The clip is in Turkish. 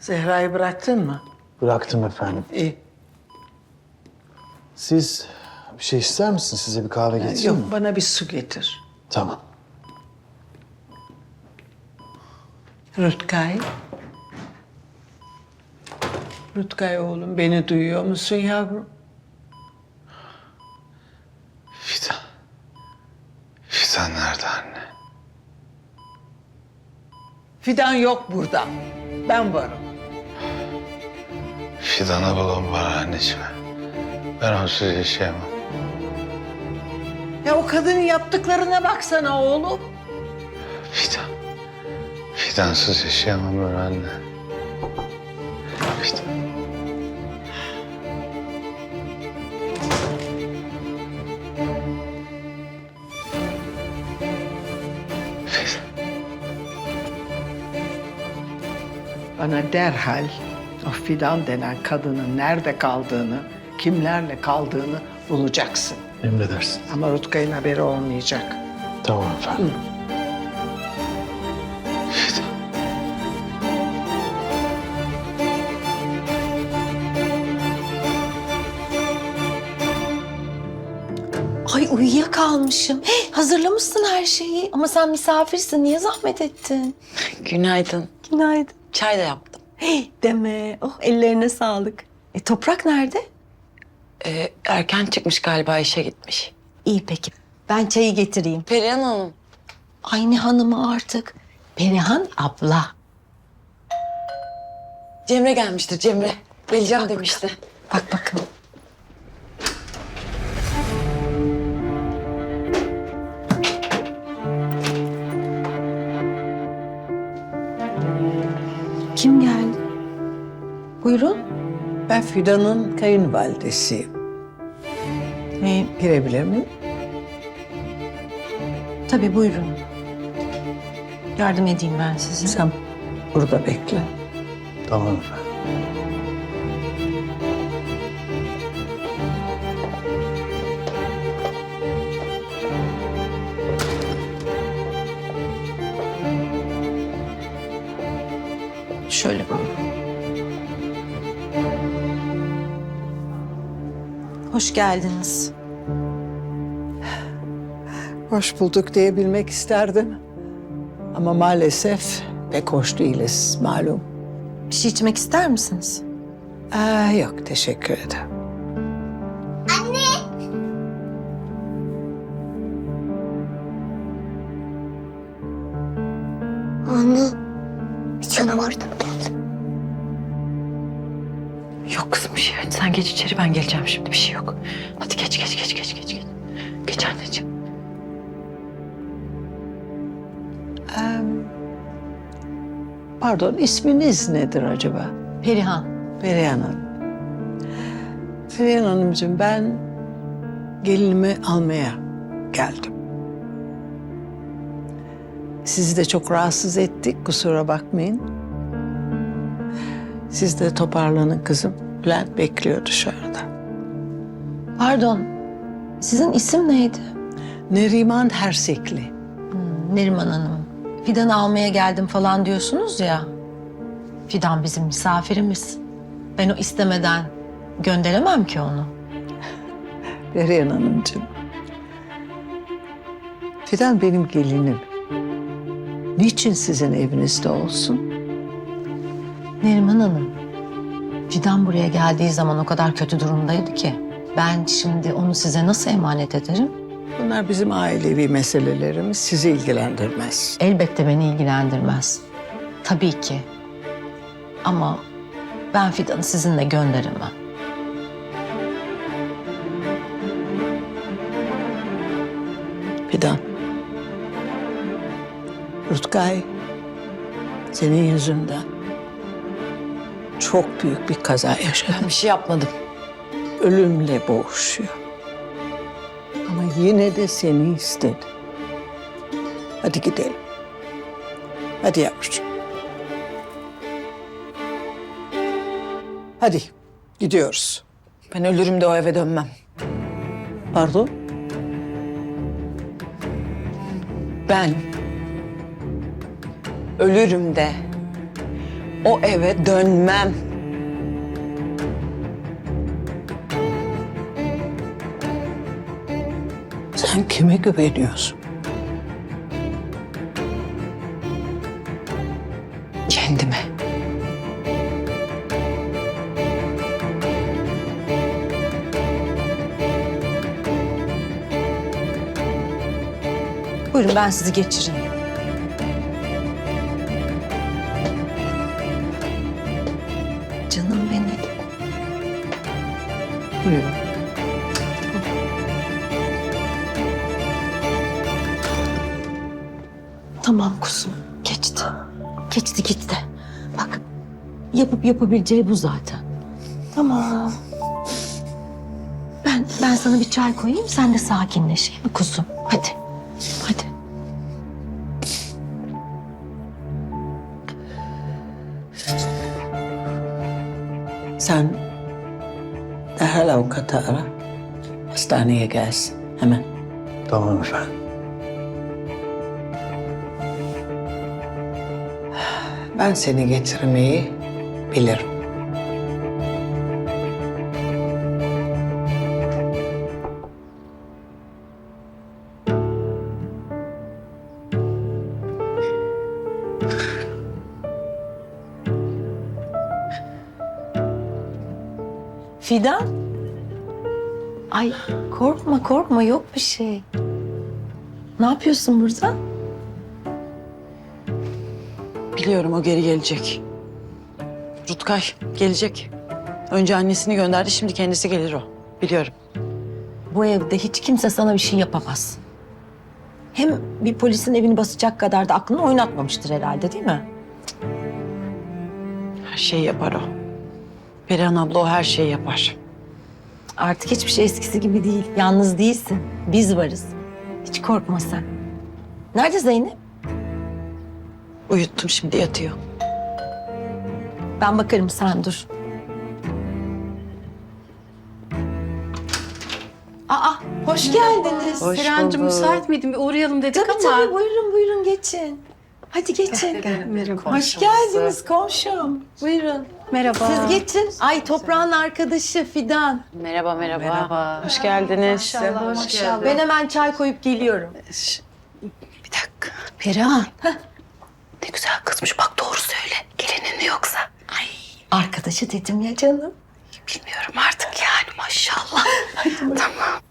Zehra'yı bıraktın mı? Bıraktım efendim. İyi. Siz bir şey ister misiniz? Size bir kahve getireyim mi? Yok, bana bir su getir. Tamam. Rutkay. Rutkay oğlum, beni duyuyor musun yavrum? Fidan. Fidan nerede anne? Fidan yok burada. Ben varım. Fidan'ı bulun bana anneciğim. Ben onsuz yaşayamam. Ya o kadının yaptıklarına baksana oğlum. Fidan. Fidansız yaşayamam ben anne. Fidan. Fidan. Bana derhal o Fidan denen kadının nerede kaldığını, kimlerle kaldığını bulacaksın. Emredersin. Ama Rutkay'ın haberi olmayacak. Tamam efendim. Fidan. Ay uyuyakalmışım. Hey, hazırlamışsın her şeyi. Ama sen misafirsin. Niye zahmet ettin? Günaydın. Günaydın. Çay da yaptım. Hey, deme. Oh, ellerine sağlık. Toprak nerede? Erken çıkmış galiba, işe gitmiş. İyi peki. Ben çayı getireyim. Perihan Hanım. Ay ne hanımı artık. Perihan abla. Cemre gelmiştir, Cemre. Geleceğim demişti. Bak bakın. Kim geldi? Buyurun. Ben Fidan'ın kayınvalidesiyim. Girebilir miyim? Tabii buyurun. Yardım edeyim ben size. Sen burada bekle. Tamam efendim. Şöyle buyurun. Hoş geldiniz. Hoş bulduk diyebilmek isterdim. Ama maalesef pek hoş değiliz malum. Bir şey içmek ister misiniz? Yok, teşekkür ederim. Yok kızım, bir şey. Hadi sen geç içeri, ben geleceğim şimdi. Bir şey yok. Hadi geç. Geç anneciğim. Pardon, isminiz nedir acaba? Perihan. Perihan Hanım. Perihan Hanımcığım, ben gelinimi almaya geldim. Sizi de çok rahatsız ettik, kusura bakmayın. Siz de toparlanın kızım. Bülent bekliyor dışarıda. Pardon. Sizin isim neydi? Neriman Hersekli. Neriman Hanım. Fidan'ı almaya geldim falan diyorsunuz ya. Fidan bizim misafirimiz. Ben o istemeden gönderemem ki onu. Perihan Hanımcığım. Fidan benim gelinim. Niçin sizin evinizde olsun? Neriman Hanım. Fidan buraya geldiği zaman o kadar kötü durumdaydı ki. Ben şimdi onu size nasıl emanet ederim? Bunlar bizim ailevi meselelerimiz, sizi ilgilendirmez. Elbette beni ilgilendirmez. Tabii ki. Ama ben Fidan'ı sizinle gönderemem. Fidan. Rutkay, senin yüzünden çok büyük bir kaza yaşadı. Ben bir şey yapmadım. Ölümle boğuşuyor. Ama yine de seni istedi. Hadi gidelim. Hadi yavrucuğum. Hadi gidiyoruz. Ben ölürüm de o eve dönmem. Pardon? Ben ölürüm de O eve dönmem. Sen kime güveniyorsun? Kendime. Buyurun ben sizi geçireyim. Canım benim. Buyurun. Tamam kuzum. Geçti. Geçti gitti. Bak yapıp yapabileceği bu zaten. Tamam. Ben sana bir çay koyayım sen de sakinleş iyi mi kuzum? Hadi. Hadi. Sen derhal avukatı ara. Hastaneye gelsin hemen. Tamam efendim. Ben seni getirmeyi bilirim. Fidan. Ay korkma korkma yok bir şey. Ne yapıyorsun burada? Biliyorum o geri gelecek. Rutkay gelecek. Önce annesini gönderdi, şimdi kendisi gelir o. Biliyorum. Bu evde hiç kimse sana bir şey yapamaz. Hem bir polisin evini basacak kadar da aklını oynatmamıştır herhalde değil mi? Her şeyi yapar o. Perihan abla o her şeyi yapar. Artık hiçbir şey eskisi gibi değil. Yalnız değilsin. Biz varız. Hiç korkma sen. Nerede Zeynep? Uyuttum, şimdi yatıyor. Ben bakarım sen dur. Aa hoş geldiniz. Hoş Serencim bulduk. müsait miydin? Bir uğrayalım dedik Tabii ama. tabii buyurun buyurun geçin. Hadi geçin. Hoş geldiniz komşum. Buyurun. Merhaba. Siz geçin. Ay toprağın arkadaşı Fidan. Merhaba, merhaba. Hoş geldiniz. Maşallah. Ben hemen çay koyup geliyorum. Bir dakika. Perihan. Ne güzel kızmış, bak doğru söyle. Gelinin mi yoksa? Arkadaşı dedim ya canım. Bilmiyorum artık yani, maşallah. Tamam.